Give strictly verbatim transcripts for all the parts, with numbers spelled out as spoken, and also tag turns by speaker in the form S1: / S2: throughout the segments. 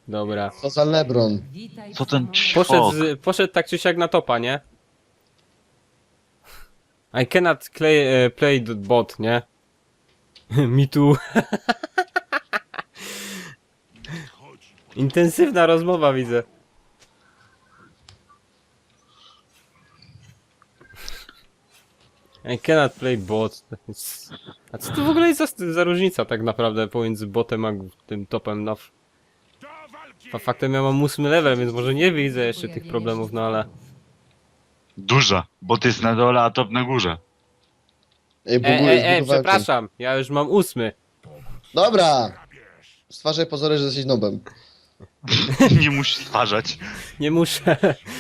S1: Dobra.
S2: Co za Lebron?
S3: Co ten
S1: Poszedł,
S3: ćwok?
S1: z, poszedł tak czy siak na topa, nie? I cannot play, uh, play the bot, nie? Me too. Intensywna rozmowa widzę. I cannot play bot. A co to w ogóle jest za, za różnica tak naprawdę pomiędzy botem a tym topem? No. Fa- Faktem ja mam ósmy level, więc może nie widzę jeszcze tych problemów, no ale...
S3: Duża, bo ty jest na dole, a top na górze.
S2: Ej,
S1: E,
S2: buguję,
S1: e, e,
S2: zbudowałem
S1: przepraszam, ja już mam ósmy.
S2: ten. Dobra! Stwarzaj pozory, że jesteś nobem.
S3: Nie musisz stwarzać.
S1: Nie muszę.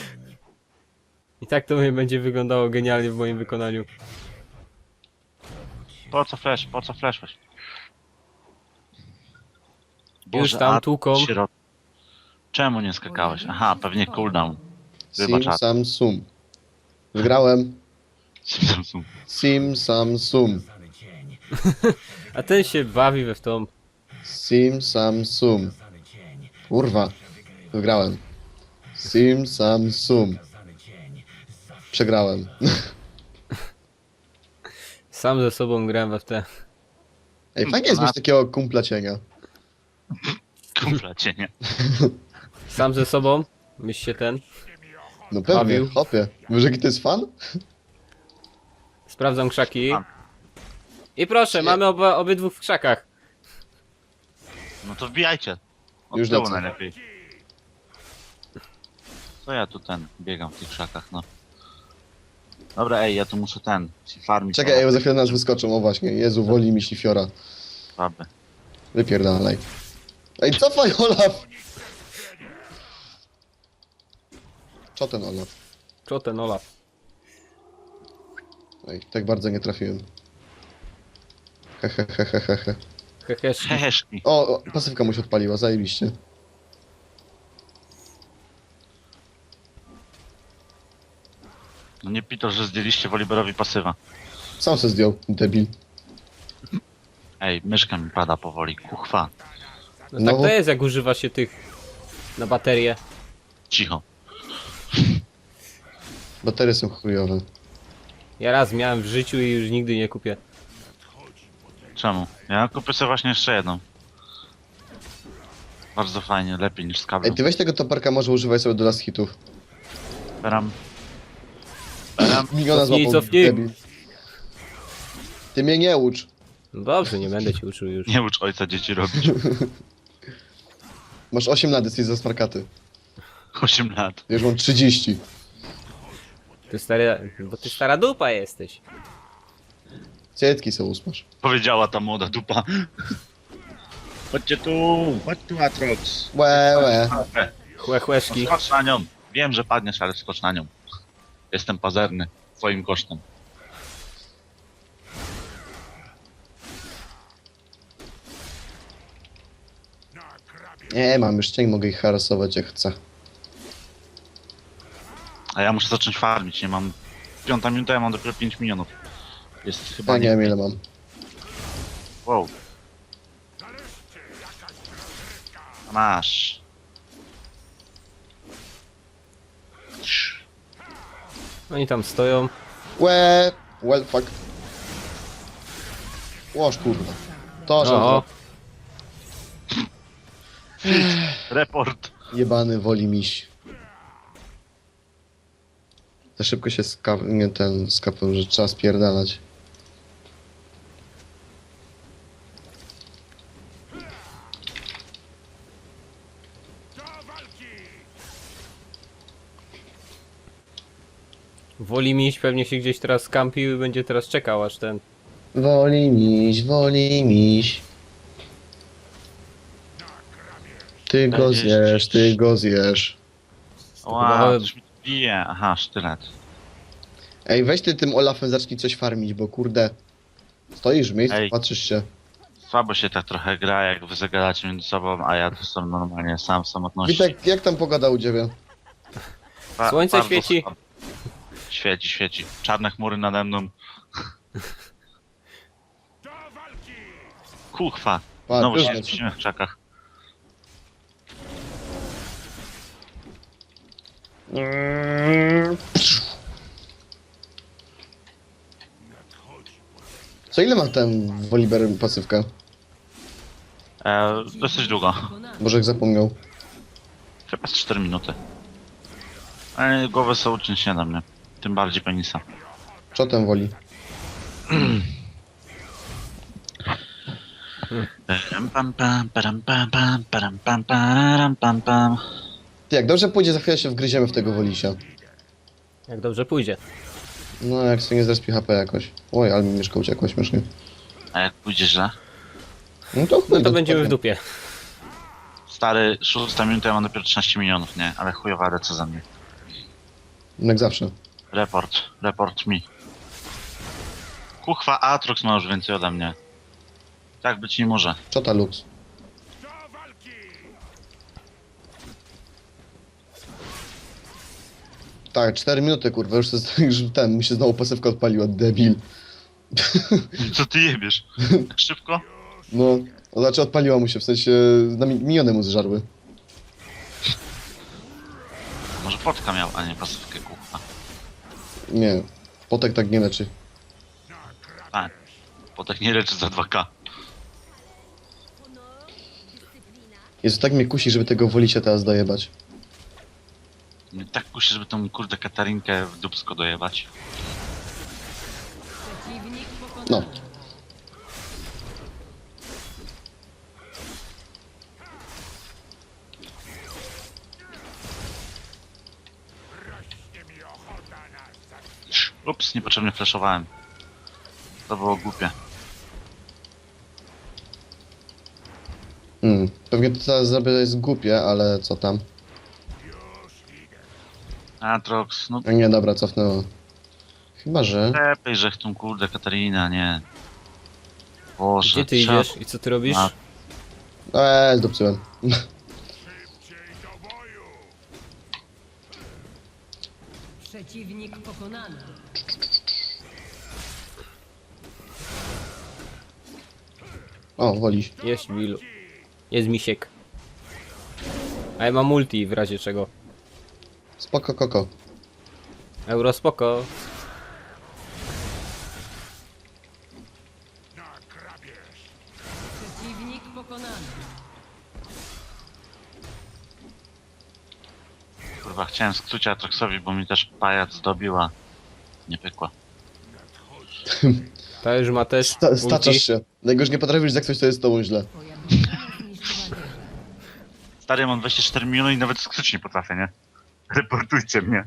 S1: I tak to mnie będzie wyglądało genialnie w moim wykonaniu.
S3: Po co flash, po co flash właśnie?
S1: Już tam
S3: a
S1: tłuką.
S3: sierot- Czemu nie skakałeś? Aha, pewnie cooldown. Wybacz,
S2: Sim,
S3: a-
S2: sam, sum. Wygrałem.
S3: Samsung.
S2: Sim, sam, sum.
S1: A ten się bawi we w tą.
S2: Sim, sam, sum. Kurwa. Wygrałem. Sim, sam, sum. Przegrałem.
S1: Sam ze sobą grałem we w te.
S2: Ej, fajnie jest mieć takiego kumpla cienia.
S3: Kumpla cię, nie?
S1: Sam ze sobą. Myśl się ten.
S2: No pewnie,
S1: Bawił.
S2: hopie. Wiesz jaki to jest fan?
S1: Sprawdzam krzaki.
S3: Mam.
S1: I proszę, mamy oba, obydwu w krzakach.
S3: No to wbijajcie. Od
S2: Już
S3: tyłu
S2: lecę.
S3: najlepiej. Co ja tu ten, biegam w tych krzakach, no. Dobra, ej, ja tu muszę ten, się farmić.
S2: Czekaj, ej, bo za chwilę nas wyskoczą, o właśnie. Jezu, woli mi ślifiora.
S3: Słaby.
S2: Wypierdalaj. Ej, cofaj, Olaf! Co ten Olaf?
S1: Co ten Olaf?
S2: Ej, tak bardzo nie trafiłem. Hehehehehe.
S1: Heheszki.
S3: Heheszki.
S2: O, o, pasywka mu się odpaliła, zajebiście.
S3: No nie pito, że zdjęliście Woliberowi pasywa.
S2: Sam se zdjął, debil.
S3: Ej, myszka mi pada powoli, kuchwa.
S1: No
S2: No
S1: tak
S2: bo-
S1: to jest, jak używa się tych na baterię.
S3: Cicho.
S2: Baterie są chujowe.
S1: Ja raz miałem w życiu i już nigdy nie kupię.
S3: Czemu? Ja kupię sobie właśnie jeszcze jedną. Bardzo fajnie, lepiej niż z
S2: Ej,
S3: kablem.
S2: ty weź tego toparka, może używaj sobie do last hitów.
S3: Beram. Beram.
S2: Miliona
S1: Cofnij,
S2: złapał,
S1: cofnij.
S2: debil. Ty mnie nie ucz.
S1: No dobrze, nie będę ci uczył już.
S3: Nie ucz ojca dzieci robić.
S2: Masz osiem lat, jesteś za smarkaty.
S3: osiem lat.
S2: Ja już mam trzydzieści.
S1: Ty stary, bo ty stara dupa jesteś.
S2: Cietki sobie usmasz.
S3: Powiedziała ta młoda dupa. Chodźcie tu, chodź tu Atrox.
S2: Łe, łe.
S1: Chłe chłeszki.
S3: Skocz na nią. Wiem, że padniesz, ale skocz na nią. Jestem pazerny. Twoim kosztem.
S2: Nie, mam już cień, mogę ich harasować jak chcę.
S3: A ja muszę zacząć farmić, nie mam... Piąta minuta, ja mam dopiero pięć milionów. Jest chyba
S2: Ja nie wiem ile mam.
S3: Wow. Masz.
S1: Oni tam stoją.
S2: Łe, well fuck. Łoż kurwa. To, że
S1: O,
S3: Report.
S2: jebany woli miś. Za szybko się skap... nie ten skapłem, że trzeba spierdalać.
S1: woli miś, pewnie się gdzieś teraz skampił i będzie teraz czekał aż ten.
S2: Woli miś, woli miś. Ty go
S3: Będziesz
S2: zjesz, ty go zjesz.
S3: Wow,
S1: Chyba-
S3: coś mi bije. Aha, sztylet.
S2: Ej, weź ty tym Olafem zacznij coś farmić, bo kurde. Stoisz w miejscu,
S3: Ej.
S2: patrzysz się.
S3: Słabo się tak trochę gra, jak wy zagadacie między sobą, a ja tu sam normalnie sam w samotności.
S2: Witek, jak tam pogoda u ciebie?
S3: Ba-
S1: Słońce
S3: bardzo
S1: świeci.
S3: słabo. Świeci, świeci. Czarne chmury nade mną. Kuchwa.
S2: Pa,
S3: Znowu
S2: już
S3: się
S2: leci.
S3: zmieścimy w krzakach.
S2: Co ile ma ten Woliber pasywkę?
S3: E, dosyć długo.
S2: Boże, jak zapomniał.
S3: Chyba z cztery minuty. Ale głowę są uczyć nie da mnie. Tym bardziej penisa.
S2: Co ten woli?
S3: Param pam pam, param pam pam, param pam param pam pam.
S2: Ty, jak dobrze pójdzie, za chwilę się wgryziemy w tego wolisia.
S1: Jak dobrze pójdzie.
S2: No, jak sobie nie zrespi H P jakoś. Oj, ale mi mieszka uciekła śmiesznie.
S3: A jak pójdzie źle?
S2: No to,
S1: No to będziemy w dupie.
S3: Stary, szósta minuta, ja mam dopiero trzynaście milionów, nie? Ale chujowa co za mnie.
S2: Jak zawsze.
S3: Report, report mi. Kuchwa, Atrox ma już więcej ode mnie. Tak być nie może.
S2: Czota Lux. Tak, cztery minuty, kurwa, już, jest, już ten, mi się znowu pasywka odpaliła, debil.
S3: Co ty jebiesz? Tak szybko?
S2: No, to znaczy odpaliła mu się, w sensie, na mi- miniony mu zżarły.
S3: Może potka miał, a nie pasywkę, kuchwa.
S2: Nie, potek tak nie leczy.
S3: Tak. Potek nie leczy za dwa K.
S2: Jest tak mnie kusi, żeby tego wolicia teraz dojebać.
S3: Mnie tak kusi, żeby tą kurde Katarinkę w dupsko dojebać.
S2: No.
S3: Ups, niepotrzebnie flashowałem. To było głupie.
S2: Hmm. Pewnie to teraz zrobię jest głupie, ale co tam?
S3: Atrox, no
S2: A nie, dobra, cofnęło. Chyba, że...
S3: lepiej, że tą kurde Katarina, nie. Boże,
S1: Gdzie ty
S3: trzeba-
S1: idziesz i co ty robisz?
S3: A-
S2: Eee, zdupcyłem.
S4: Przeciwnik pokonany.
S2: O, woliś.
S1: Jest Will. Jest misiek. A ja mam multi w razie czego.
S2: Spoko, koko.
S1: Euro spoko.
S4: Przeciwnik pokonany.
S3: Kurwa, chciałem skrócić Atroxowi, bo mi też pajac zdobiła. Nie pykła.
S1: Ta już ma też
S2: Sta
S1: multi.
S2: staczasz się. Najgorzej nie potrafisz jak coś, to jest z tobą źle.
S4: Twoja drużyna zniszczyła wieżę.
S3: Stary, mam dwadzieścia cztery miliony i nawet skrócić nie potrafię, nie? Reportujcie mnie.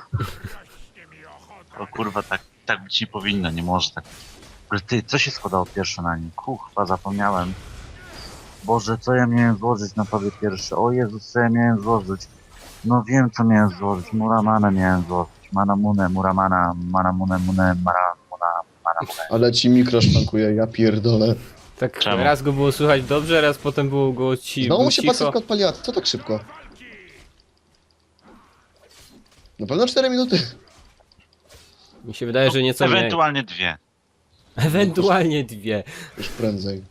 S3: O kurwa, tak, tak być nie powinno, nie może tak. Ale ty, co się składało pierwsze na nim? Kuchwa, zapomniałem. Boże, co ja miałem złożyć na tobie pierwsze? O Jezus, co ja miałem złożyć? No wiem, co miałem złożyć. Muramana miałem złożyć. Manamunę, Muramana, Manamunę, Munę, Maramuna, Manamunę.
S2: Ale ci mikro szwankuje, ja pierdolę.
S1: Tak
S3: Czemu?
S1: raz go było słychać dobrze, raz potem było go ci
S2: Znowu
S1: było
S2: mu się
S1: cicho.
S2: pasywka odpaliła, co tak szybko? Na pewno cztery minuty.
S1: Mi się wydaje, że nieco mniej.
S3: Ewentualnie dwie.
S1: Ewentualnie dwie.
S2: Już prędzej.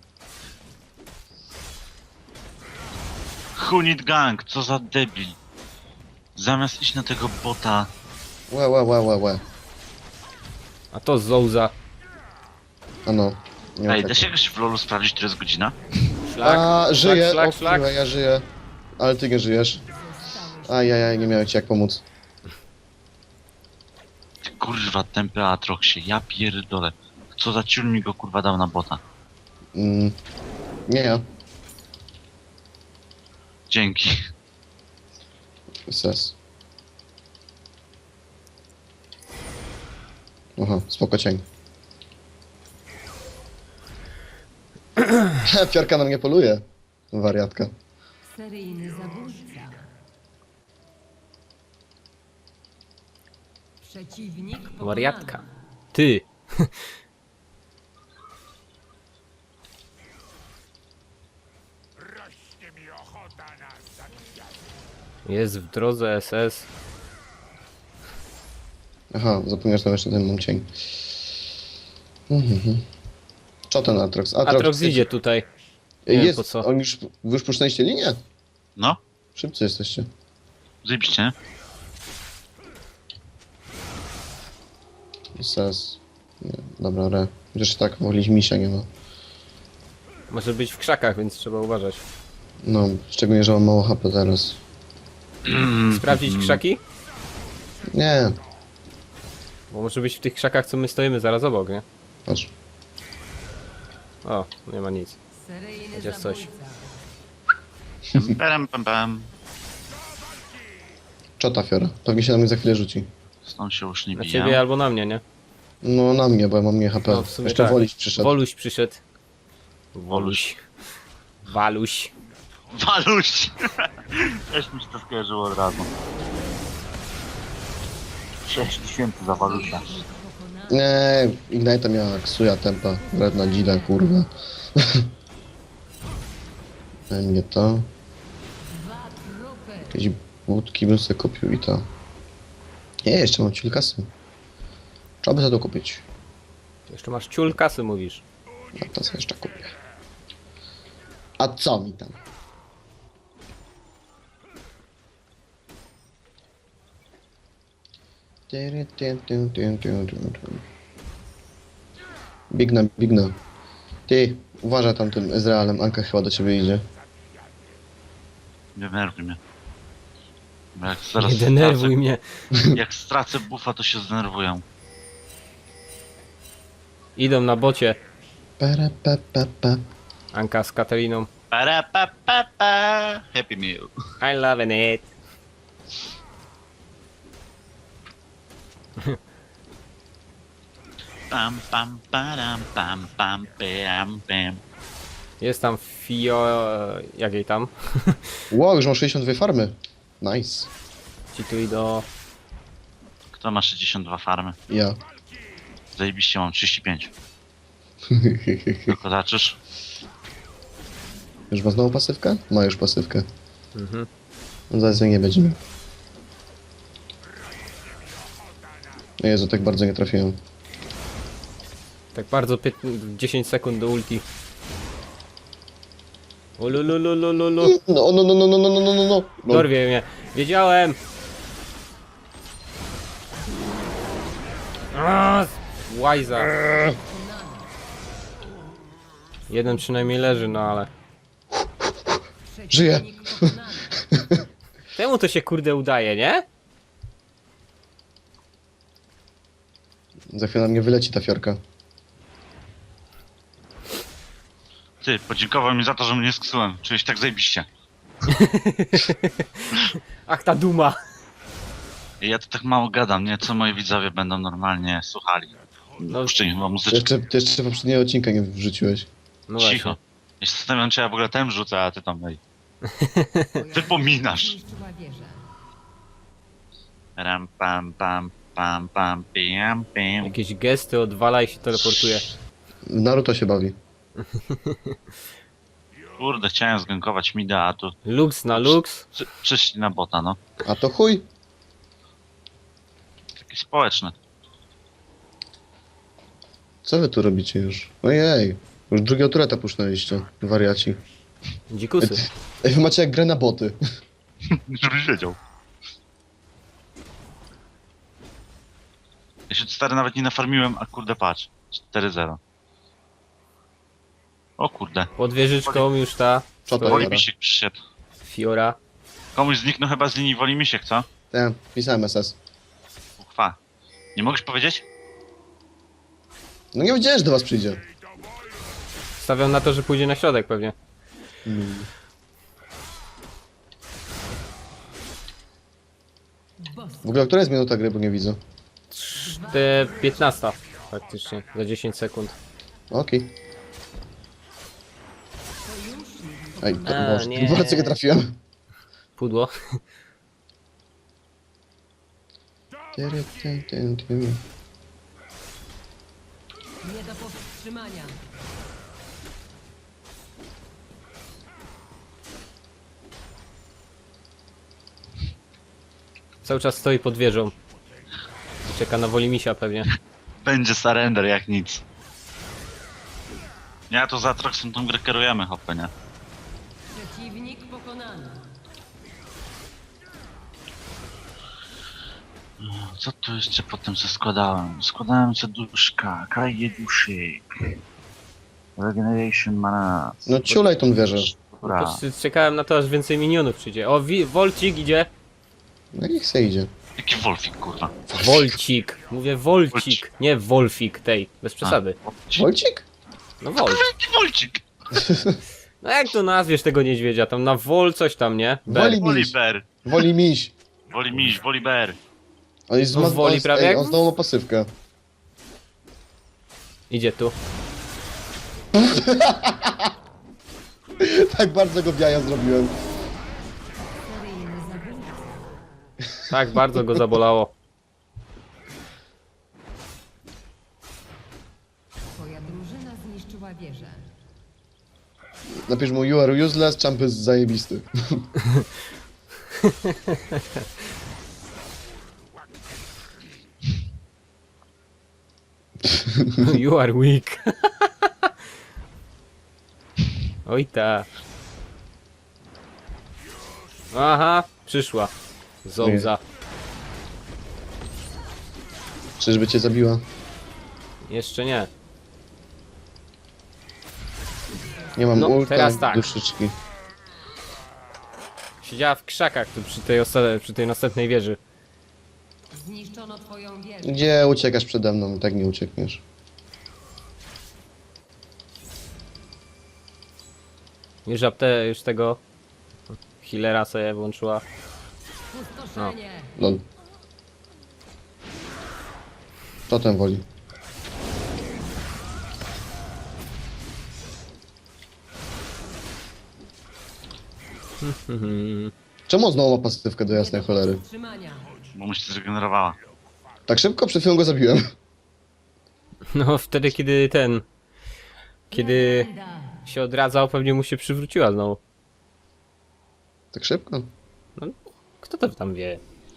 S3: Hunit Gang, co za debil. Zamiast iść na tego bota,
S2: Łe, łe, łe, łe, łe.
S1: A to Zouza.
S2: Ano. Nie ma
S3: ej,
S2: tak.
S3: da się jakoś w lolu sprawdzić, który jest godzina?
S1: Szlak,
S2: A, żyję,
S1: szlak,
S2: o
S1: szlak.
S2: kurwa, ja żyję. Ale ty nie żyjesz. Ajajaj, nie miałem ci jak pomóc.
S3: Ty kurwa, tempy Atroxie, ja pierdolę. Co za ciul mi go kurwa dał na bota.
S2: Mm. Nie ja.
S3: Dzięki.
S2: Ses. Aha, spoko cień. Piorka na mnie poluje. Wariatka.
S4: Seryjny zabójca. Przeciwnik pokonany.
S1: Wariatka. Ty. Jest w drodze S S.
S2: Aha, zapomniałeś tam jeszcze ten mam cień. Mhm. Co ten Atrox?
S1: Atrox idzie tutaj. nie wiem
S2: Jest,
S1: po co.
S2: on już, wy już puszczaliście linię?
S3: No,
S2: Szybcy jesteście.
S3: zajebiście, nie?
S2: Sens. Nie, dobra, re. Chociaż tak, wolić misia nie ma.
S1: Może być w krzakach, więc trzeba uważać.
S2: No, szczególnie, że mam mało H P teraz.
S1: Sprawdzić krzaki?
S2: Nie,
S1: Bo może być w tych krzakach, co my stoimy zaraz obok, nie?
S2: patrz.
S1: O, nie ma nic.
S4: Seryjny
S1: Chociaż coś.
S4: zabójca.
S3: Pam, pam, pam.
S2: Czota fiora. Pewnie się na mnie za chwilę rzuci.
S3: Stąd się już nie
S1: Na
S3: biję.
S1: ciebie albo na mnie, nie?
S2: No na mnie, bo ja mam mniej H P.
S1: No, w sumie
S2: Jeszcze
S1: tak.
S2: wolić przyszedł.
S1: Woluś przyszedł. Woluś. Waluś.
S3: Waluś! Też mi się to skojarzyło od razu. sześć tysięcy za Walusia.
S4: Sojusznik pokonany.
S2: Nie, Ignite miała Ksuja tempa. Wredna dzida, kurwa. Daj mnie to.
S4: Dwa trupy.
S2: Jakieś budki bym sobie kupił i to. Nie, jeszcze mam ciul kasy. Trzeba by za to kupić.
S1: Jeszcze masz ciul kasy, mówisz.
S2: No to sobie jeszcze kupię. A co mi tam? Bigna, bigna. Ty, uważaj tam tym Ezrealem, Anka chyba do ciebie idzie.
S3: Nie denerwuj mnie. Bo jak zaraz
S1: Nie denerwuj mnie.
S3: stracę, jak stracę buffa, to się zdenerwuję.
S1: Idą na bocie.
S2: Para, pa, pa, pa.
S1: Anka z Katariną.
S3: Para, pa, pa, pa. Happy meal.
S1: I love it.
S3: Pam, pam, param, pam, pam, pam, pam.
S1: Jest tam Fio... Jak jej tam?
S2: Wow, już mam sześćdziesiąt dwie farmy. Nice.
S1: Ci tu idą...
S3: Kto ma sześćdziesiąt dwa farmy?
S2: Ja.
S3: Zajebiście, mam trzydzieści pięć. Tylko zaczysz?
S2: Już ma znowu pasywkę? Ma już pasywkę.
S1: Mhm.
S2: No zaraz jej nie będziemy. Jezu, tak bardzo nie trafiłem.
S1: Tak bardzo pięt- dziesięć sekund do ulti. Ulululululu.
S2: No, no, no, no, no, no, no, no, no, no.
S1: Dorwie mnie. Wiedziałem. Aaa, Łajza. Jeden przynajmniej leży, no ale...
S2: Żyje.
S4: Przeciwnik pokonany.
S1: Temu to się kurde udaje, nie?
S2: Za chwilę na mnie wyleci ta fiorka.
S3: Ty, podziękował mi za to, że mnie sksułem. Czuję się tak zajebiście.
S1: Ach, ta duma.
S3: I ja to tak mało gadam, nie? Co moi widzowie będą normalnie słuchali.
S1: No,
S3: Puszczę im chyba
S2: Ty
S3: muzyczkę.
S2: jeszcze, ty jeszcze poprzedniego odcinka nie wrzuciłeś.
S1: no
S3: Cicho.
S1: właśnie.
S3: Ja się zastanawiam, czy ja w ogóle ten rzucę, a ty tam ej. Wypominasz.
S4: Zniszczyła wieżę.
S3: Ram, pam, pam, pam, pam, pam, pam.
S1: Jakieś gesty odwala i się teleportuje.
S2: Naruto się bawi.
S3: Kurde, chciałem zgankować mida, a tu
S1: Lux na lux.
S3: przy, przyszli na bota, no.
S2: A to chuj.
S3: Takie społeczne.
S2: Co wy tu robicie już? Ojej. Już drugiego tureta puszczaliście. Wariaci.
S1: Dzikusy.
S2: Ej, wy macie jak grę na boty.
S3: Żebyś wiedział. Ja się stary nawet nie nafarmiłem, a kurde patrz. cztery zero. O kurde.
S1: Pod wieżyczką już ta
S2: Co to
S3: Woli
S2: Dobra.
S3: mi się przyszedł.
S1: Fiora.
S3: Komuś zniknął chyba z linii Woli Misiek, co?
S2: Tak, pisałem S S.
S3: Uchwa. Nie mogłeś powiedzieć?
S2: No nie wiedziałem, że do was przyjdzie.
S1: Stawiam na to, że pójdzie na środek pewnie.
S4: Boss.
S2: W ogóle, która jest minuta gry, bo nie widzę.
S1: Te piętnasta faktycznie. Za dziesięć sekund.
S2: Okej.
S4: Sojusznik
S2: Ej, to
S1: A,
S2: Boże,
S1: nie.
S2: bardzo nie trafiłem.
S1: Pudło.
S2: Tyry, ty, ty, ty.
S4: nie do powstrzymania.
S1: Cały czas stoi pod wieżą. I czeka na Wolimisia pewnie.
S3: Będzie surrender jak nic. Ja to za Atroxem tą grę kierujemy, hopę, nie?
S4: Przeciwnik pokonany.
S3: Co tu jeszcze potem co składałem? Składałem co duszka, kraje duszy. Regeneration mana.
S2: No ciulaj tą wieżę.
S3: Dobra.
S1: Patrz, czekałem na to, aż więcej minionów przyjdzie. O, wi Wolcik idzie.
S2: No niech se idzie.
S3: Jaki Wolfik, kurwa.
S1: Wolcik. Mówię Wolcik, nie Wolfik tej. Bez przesady.
S3: Wolcik?
S2: Wolcik?
S1: No Wol.
S3: Jaki Wolcik?
S1: No jak to nazwiesz tego niedźwiedzia? Tam na Wol coś tam, nie? Ber.
S2: Woli miś.
S3: Woliber.
S2: Woli miś.
S3: Woli miś, woli ber.
S2: On jest
S1: No
S2: zma-
S1: woli
S2: on jest-
S1: prawie
S2: ej,
S1: jak-
S2: on znowu ma pasywkę.
S1: Idzie tu.
S2: Tak bardzo go biaja zrobiłem.
S4: Seryjny zabójca.
S1: Tak, bardzo go zabolało.
S4: Twoja drużyna zniszczyła wieżę.
S2: Napisz mu you are useless, champ jest zajebisty.
S1: You are weak. Oj ta. Aha, przyszła. Zołza.
S2: Czyżby cię zabiła?
S1: Jeszcze nie.
S2: Nie mam
S1: No,
S2: ulta,
S1: teraz tak.
S2: duszyczki.
S1: Siedziała w krzakach tu przy tej, osta- przy tej następnej wieży.
S4: Zniszczono twoją wieżę.
S2: Gdzie uciekasz przede mną? I tak nie uciekniesz.
S1: Już apte, już tego healera sobie włączyła.
S4: Pustoszenie.
S2: Lol. To ten woli. Czemu on znowu ma pasywkę do jasnej cholery?
S4: Wstrzymania.
S3: Bo mu się zregenerowała.
S2: Tak szybko? Przed chwilą go zabiłem.
S1: No wtedy kiedy ten... Kiedy
S4: Legenda.
S1: się odradzał, pewnie mu się przywróciła znowu.
S2: Tak szybko?
S1: Kto to tam wie?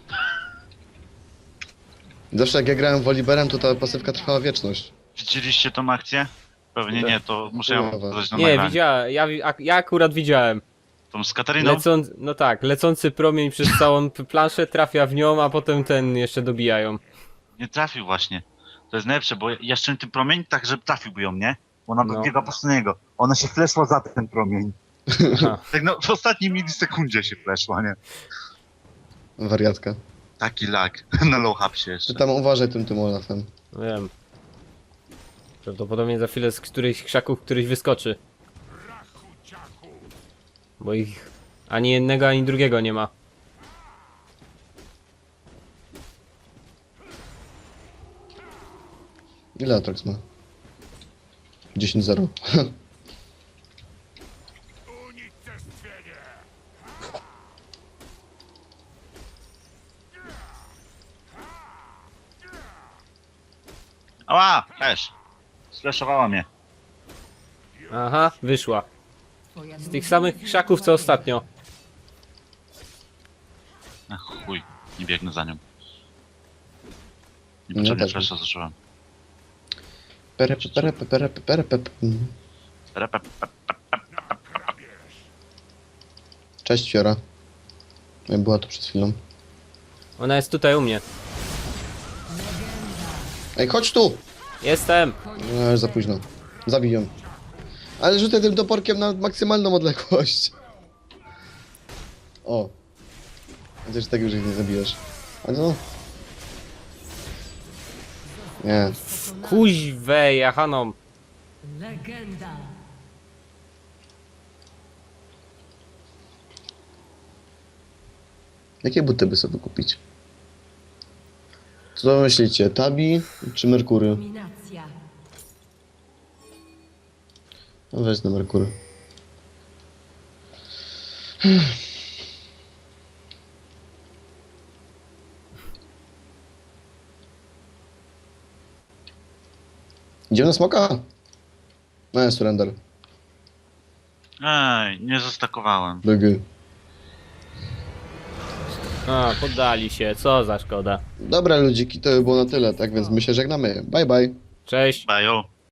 S2: Zawsze jak ja grałem Woliberem, to ta pasywka trwała wieczność.
S3: Widzieliście tą akcję? Pewnie
S1: Tak.
S3: nie, to muszę ją
S2: Kurwa.
S3: pokazać na
S1: Nie,
S3: nagraniu.
S1: widziałem, ja, wi- ak- ja akurat widziałem.
S3: Tą z Kataryną?
S1: Lecąc, no tak, lecący promień przez całą p- planszę trafia w nią, a potem ten jeszcze dobijają.
S3: Nie trafił właśnie. To jest najlepsze, bo jeszcze tym promień tak, że trafiłby ją, nie? Bo ona
S1: No.
S3: no. biega po prostu na niego. Ona się fleszła za ten promień.
S1: Aha.
S3: Tak no, w ostatniej milisekundzie się fleszła, nie?
S2: Wariatka.
S3: Taki lag. Na low hapsie jeszcze.
S2: Ty tam uważaj tym tym Olafem.
S1: No wiem. Prawdopodobnie za chwilę z którychś krzaków któryś wyskoczy. Bo ich ani jednego, ani drugiego nie ma.
S2: Ile Atrox ma? dziesięć zero.
S3: Ała! Też! Sfleszowała mnie.
S1: Aha, wyszła.
S4: Twoja
S1: Z tych samych krzaków co ostatnio.
S3: Ach chuj, nie biegnę za nią.
S2: No
S3: Niepotrzebnie
S2: tak.
S3: flesza zużyłem.
S2: Pere, pere, pere, pere, pere.
S3: Repep.
S2: Cześć Fiora. Jak była tu przed chwilą.
S1: Ona jest tutaj u mnie.
S2: Ej, chodź tu!
S1: Jestem!
S2: No, już za późno. Zabij ją. Ale rzucaj tym toporkiem na maksymalną odległość. O. Chociaż tak już ich nie zabijesz. A no. Nie.
S1: Kuźwej, jahaną.
S4: Legenda.
S2: Jakie buty by sobie kupić? Co myślicie? Tabi czy Merkury?
S4: Dominacja.
S2: No weź na Merkury. Idziemy na smoka? No, surrender.
S3: Ej, nie zastakowałem.
S2: B G.
S1: A, poddali się, co za szkoda.
S2: Dobra ludziki, to by było na tyle, tak więc my się żegnamy. Bye bye.
S1: Cześć!
S3: Bajo.